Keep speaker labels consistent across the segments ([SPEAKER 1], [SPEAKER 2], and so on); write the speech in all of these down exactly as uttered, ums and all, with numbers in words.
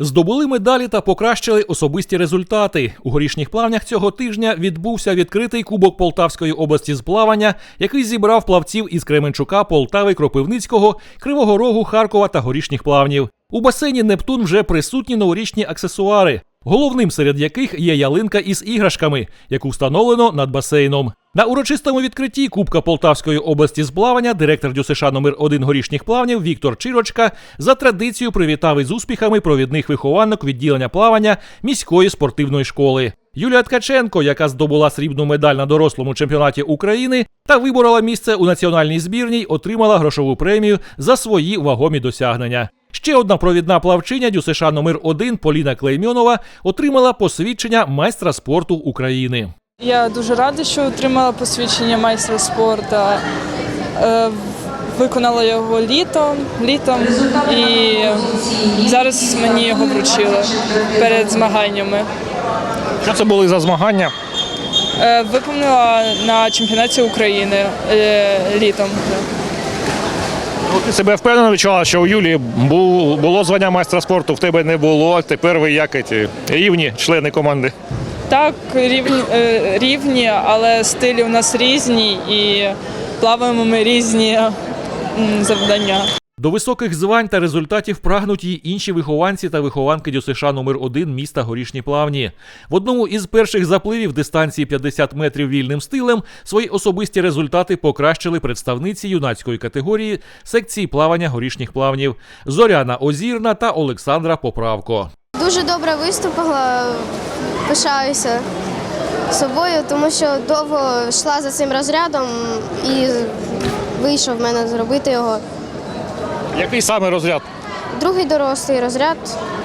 [SPEAKER 1] Здобули медалі та покращили особисті результати. У Горішніх Плавнях цього тижня відбувся відкритий Кубок Полтавської області з плавання, який зібрав плавців із Кременчука, Полтави, Кропивницького, Кривого Рогу, Харкова та Горішніх Плавнів. У басейні «Нептун» вже присутні новорічні аксесуари, головним серед яких є ялинка із іграшками, яку встановлено над басейном. На урочистому відкритті Кубка Полтавської області з плавання директор ДЮСШ номер один Горішніх Плавнів Віктор Чирочка за традицією привітав із успіхами провідних вихованок відділення плавання міської спортивної школи. Юлія Ткаченко, яка здобула срібну медаль на дорослому чемпіонаті України та виборола місце у національній збірній, отримала грошову премію за свої вагомі досягнення. Ще одна провідна плавчиня ДЮСШ номер один Поліна Клеймьонова отримала посвідчення майстра спорту України.
[SPEAKER 2] Я дуже рада, що отримала посвідчення майстра спорту. Е, виконала його літом, літом і зараз мені його вручили перед змаганнями.
[SPEAKER 3] Що це були за змагання?
[SPEAKER 2] Е, виконала на чемпіонаті України е, літом.
[SPEAKER 3] Ну, ти себе впевнено відчувала, що у Юлії був, було звання майстра спорту, в тебе не було, тепер ви як ці рівні члени команди?
[SPEAKER 2] Так, рівні, е, рівні, але стилі у нас різні і плаваємо ми різні м, завдання.
[SPEAKER 1] До високих звань та результатів прагнуть і інші вихованці та вихованки ДЮСШ номер один міста Горішні Плавні. В одному із перших запливів дистанції п'ятдесят метрів вільним стилем свої особисті результати покращили представниці юнацької категорії секції плавання Горішніх Плавнів Зоряна Озірна та Олександра Поправко.
[SPEAKER 4] Дуже добре виступила, пишаюся собою, тому що довго йшла за цим розрядом і вийшов в мене зробити його.
[SPEAKER 3] Який саме розряд?
[SPEAKER 4] Другий дорослий розряд.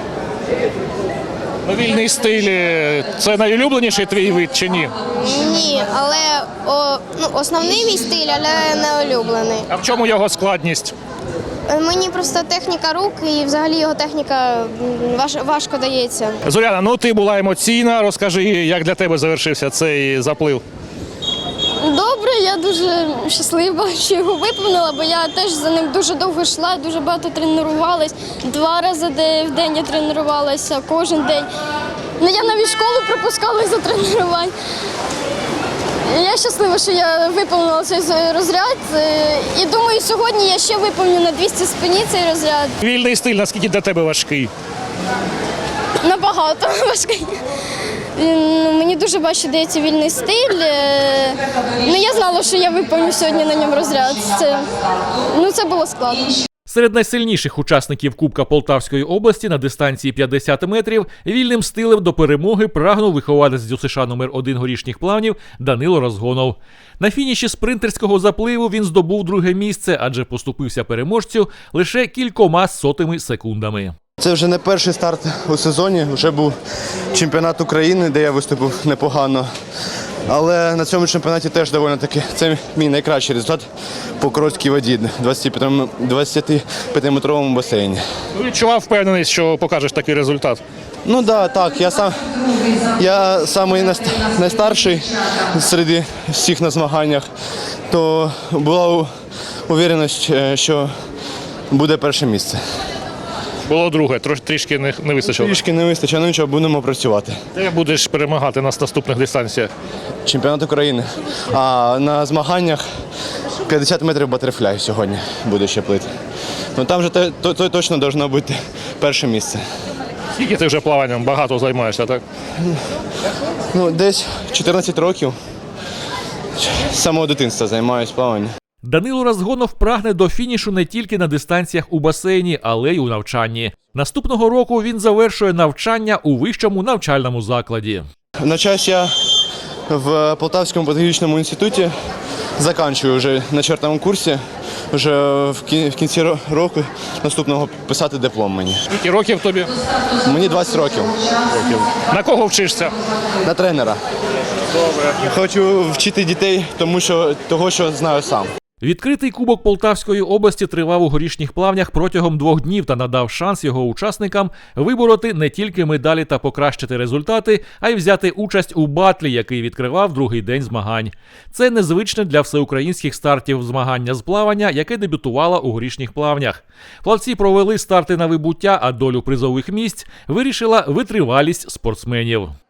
[SPEAKER 3] Ну, вільний стиль – це найулюбленіший твій вид чи ні?
[SPEAKER 4] Ні, але о, ну, основний мій стиль, але не улюблений.
[SPEAKER 3] А в чому його складність?
[SPEAKER 4] Мені просто техніка рук і взагалі його техніка важ, важко дається.
[SPEAKER 3] Зоряна, ну ти була емоційна, розкажи, як для тебе завершився цей заплив?
[SPEAKER 5] Добре, я дуже щаслива, що його виповнила, бо я теж за ним дуже довго йшла, дуже багато тренувалась. Два рази в день я тренувалася, кожен день. Ну, я навіть школу пропускала за тренувань. Я щаслива, що я виповнила цей розряд. І думаю, сьогодні я ще виповню на двісті спині цей розряд.
[SPEAKER 3] Вільний стиль, наскільки для тебе важкий?
[SPEAKER 5] Набагато важкий. Мені дуже важче дається вільний стиль. Ну, я знала, що я виповню сьогодні на ньому розряд. Це, ну, це було складно.
[SPEAKER 1] Серед найсильніших учасників Кубка Полтавської області на дистанції п'ятдесят метрів вільним стилем до перемоги прагнув вихованець ДЮСШ номер один Горішніх Плавнів Данило Розгонов. На фініші спринтерського запливу він здобув друге місце, адже поступився переможцю лише кількома сотими секундами.
[SPEAKER 6] Це вже не перший старт у сезоні, вже був чемпіонат України, де я виступив непогано. Але на цьому чемпіонаті теж доволі таки, це мій найкращий результат по короткій воді, двадцятип'ятиметровому басейні.
[SPEAKER 3] Відчував впевненість, що покажеш такий результат?
[SPEAKER 6] Ну да, так, я сам я самий найстарший серед всіх на змаганнях, то була увереність, що буде перше місце.
[SPEAKER 3] Було друге, трош, трішки не, не вистачило.
[SPEAKER 6] Трішки не вистачило, ну нічого, будемо працювати.
[SPEAKER 3] Ти будеш перемагати на наступних дистанціях?
[SPEAKER 6] Чемпіонат України. А на змаганнях п'ятдесят метрів батерфляй сьогодні буде ще плити. Ну там вже то, то, то точно має бути перше місце.
[SPEAKER 3] Скільки ти вже плаванням багато займаєшся, так?
[SPEAKER 6] Ну, десь чотирнадцять років. З самого дитинства займаюся плаванням.
[SPEAKER 1] Данило Розгонов прагне до фінішу не тільки на дистанціях у басейні, але й у навчанні. Наступного року він завершує навчання у вищому навчальному закладі.
[SPEAKER 6] Навчаюсь я в Полтавському педагогічному інституті, закінчую вже на четвертому курсі, вже в кінці року наступного писати диплом мені.
[SPEAKER 3] Скільки років тобі?
[SPEAKER 6] Мені двадцять років.
[SPEAKER 3] Років. На кого вчишся?
[SPEAKER 6] На тренера. Добре. Хочу вчити дітей, тому що того, що знаю сам.
[SPEAKER 1] Відкритий кубок Полтавської області тривав у горішніх плавнях протягом двох днів та надав шанс його учасникам вибороти не тільки медалі та покращити результати, а й взяти участь у батлі, який відкривав другий день змагань. Це незвичне для всеукраїнських стартів змагання з плавання, яке дебютувало у горішніх плавнях. Плавці провели старти на вибуття, а долю призових місць вирішила витривалість спортсменів.